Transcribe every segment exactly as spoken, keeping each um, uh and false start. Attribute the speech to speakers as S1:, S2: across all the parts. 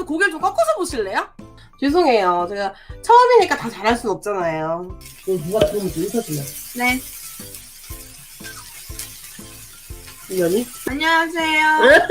S1: 켜서 고개를 좀 꺾어서 보실래요? 죄송해요. 제가 처음이니까 다 잘할 순 없잖아요. 누가 들으면 좀 인사주면.
S2: 네.
S1: 이년이?
S2: 안녕하세요.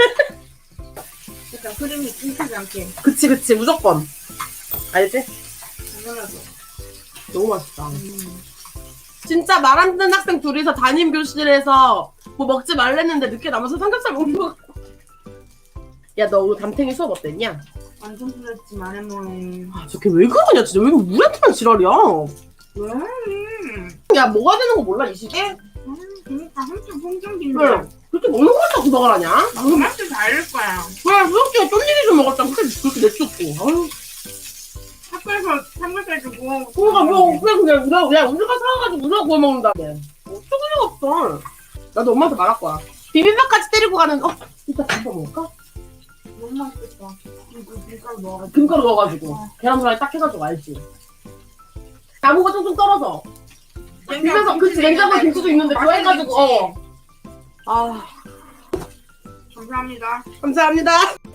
S2: 약간 흐름이 끊기지 않게.
S1: 그치 그치 무조건. 알지?
S2: 당연하죠.
S1: 너무 맛있다.
S2: 음.
S1: 진짜 말 안 듣는 학생 둘이서 담임 교실에서 뭐 먹지 말랬는데 늦게 남아서 삼겹살 먹는 거. 야 너 오늘 담탱이 수업 어땠냐?
S2: 완전 풀렸지 말해뭐해.
S1: 아 저게 왜 그러냐 진짜. 왜 우리한테만 지랄이야.
S2: 왜?
S1: 야 뭐가 되는 거 몰라 이 시기에?
S2: 음, 그러니까 한참 성장기인데.
S1: 왜? 그렇게 먹는 거 갖다 구박을 하냐?
S2: 맛도 다를 거야.
S1: 그래 수학기가 쫀디기 좀 먹었다. 그렇게 그렇게 내쫓고. 아유.
S2: 학교에서 삼겹살 주고.
S1: 그러니까 뭐 그냥 그냥 우리가 야 우리가 사와가지고 우리가 구워 먹는다며. 어쩔 리가 없어. 나도 엄마한테 말할 거야. 비빔밥까지 때리고 가는. 어 이따 비빔밥 먹을까?
S2: 너무 맛있겠다. 이거 밀가루 넣어가지고.
S1: 김가루 넣어가지고
S2: 어.
S1: 계란 후라이 딱 해가지고 알지. 나무가 좀 좀 떨어져. 비벼서 그치 냉장고에 김치도 있는데 그거 해가지고 어. 아
S2: 감사합니다.
S1: 감사합니다.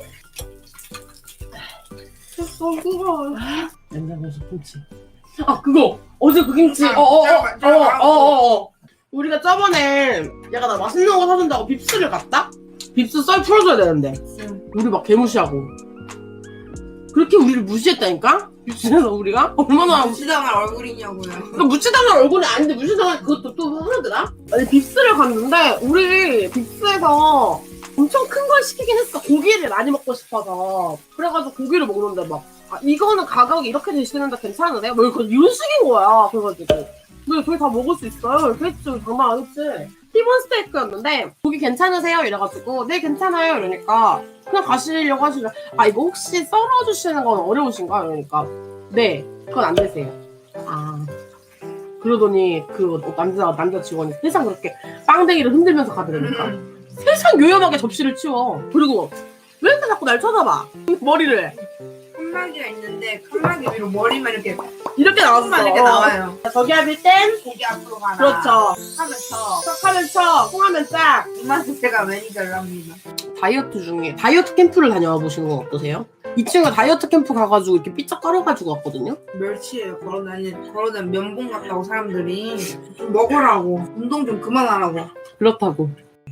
S1: 너무 뜨거워. 냉장고에서 김치. 아 그거 어제 그 김치. 어어어어어어. 우리가 저번에 얘가 나 맛있는 거 사준다고 빕스를 갔다? 빕스 썰 풀어줘야 되는데
S2: 응.
S1: 우리 막 개무시하고 그렇게 우리를 무시했다니까? 빕스에서 우리가? 얼마나
S2: 무시당할 얼굴이냐고요.
S1: 그러니까 무치당할 얼굴이 아닌데 무치당할 그것도 또 하더라? 아니 빕스를 갔는데 우리 빕스에서 엄청 큰 걸 시키긴 했어. 고기를 많이 먹고 싶어서. 그래가지고 고기를 먹는데 막 아, 이거는 가격이 이렇게 되시는데 괜찮으세요? 뭐 이거 이런 식인 거야. 그래가지고 왜 저희 다 먹을 수 있어요? 이렇게 했지. 장난 안 했지. 티본 스테이크였는데 고기 괜찮으세요? 이래가지고 네 괜찮아요 이러니까 그냥 가시려고 하시려. 아 이거 혹시 썰어주시는 건 어려우신가? 이러니까 네 그건 안 되세요. 아 그러더니 그 남자 남자 직원이 세상 그렇게 빵댕이를 흔들면서 가더라니까. 세상 요염하게 접시를 치워. 그리고 왜 이렇게 자꾸 날 쳐다봐? 머리를
S2: 칸막이가 있는데 칸막이 위로 머리만 이렇게
S1: 이렇게 나왔어.
S2: 칸만 이렇게 나와요.
S1: 저기 하실 땐
S2: 고기 앞으로 가라.
S1: 그렇죠.
S2: 하면 쳐.
S1: 척하면 척, 홍하면 짝.
S2: 이마트 제가 매니저를 합니다.
S1: 다이어트 중에 다이어트 캠프를 다녀와 보시는 건 어떠세요? 이 친구가 다이어트 캠프 가가지고 이렇게 삐쩍 깔아가지고 왔거든요.
S2: 멸치예요. 걸어다니 걸어다니 면봉 같다고 사람들이 좀 먹으라고 운동 좀 그만하라고.
S1: 그렇다고.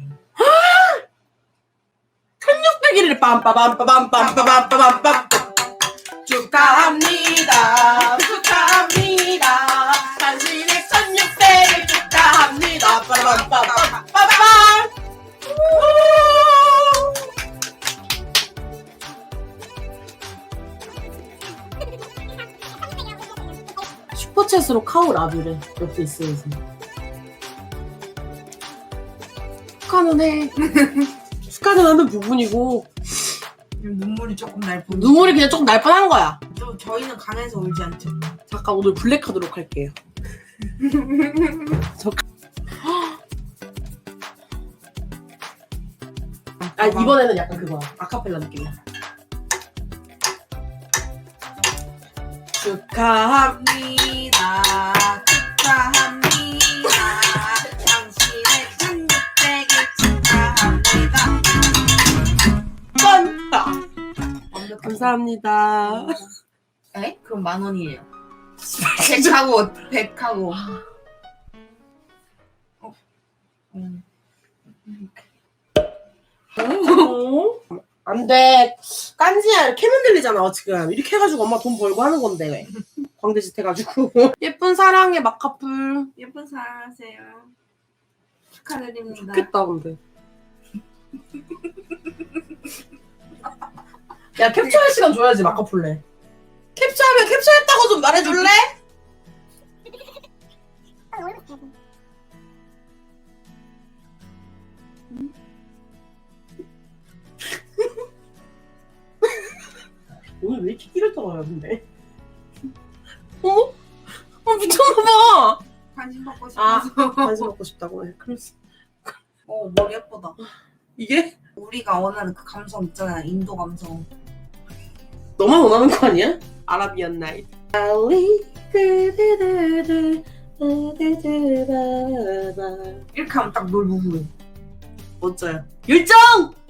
S1: 천육백 일을 빰빠밤빠밤빰빠밤빠밤빰 축하합니다. 축하합니다. 당신의 천육백을 축하합니다. 빠밤빠밤 빠밤. 슈퍼챗으로 카우 라뷰를 옆에 있어야지. 축하는 해. 축하는 하는 부분이고
S2: 눈물이 조금 날 뿐.
S1: 눈물이 그냥 조금 날 뻔한 거야.
S2: 저 저희는 강해서 울지 않죠.
S1: 잠깐 오늘 블랙하도록 할게요. 저... 아 이번에는 약간 그거야. 아카펠라 느낌이야. 축하합니다.
S2: 축하합니다. 당신의 천육백일 축하합니다.
S1: 뻔다.
S2: 완벽해.
S1: 감사합니다.
S2: 에? 그럼 만 원이에요. 백하고 백하고. 어? 음.
S1: 오? 안 돼. 깐지야 이렇게 흔들리잖아 지금. 이렇게 해가지고 엄마 돈 벌고 하는 건데 왜. 광대짓 해가지고. 예쁜 사랑의 마카풀.
S2: 예쁜 사랑하세요. 축하드립니다.
S1: 좋겠다 근데. 야 캡처할 시간 줘야지 마카풀래. 캡처하면 캡처했다고 좀 말해줄래? 오늘 왜 이렇게 끼를 떨어요 근데? 어? 어 미쳤나봐.
S2: 관심 받고
S1: 아
S2: 싶어서.
S1: 관심 먹고 싶다고 해. 그래서
S2: 어 머리 예쁘다.
S1: 이게
S2: 우리가 원하는 그 감성 있잖아. 인도 감성.
S1: 너만 원하는 거 아니야? 아라비안 나이트. 알리 드드드드
S2: 이렇게 하면 딱 놀부 후회.
S3: 멋져요. 율정!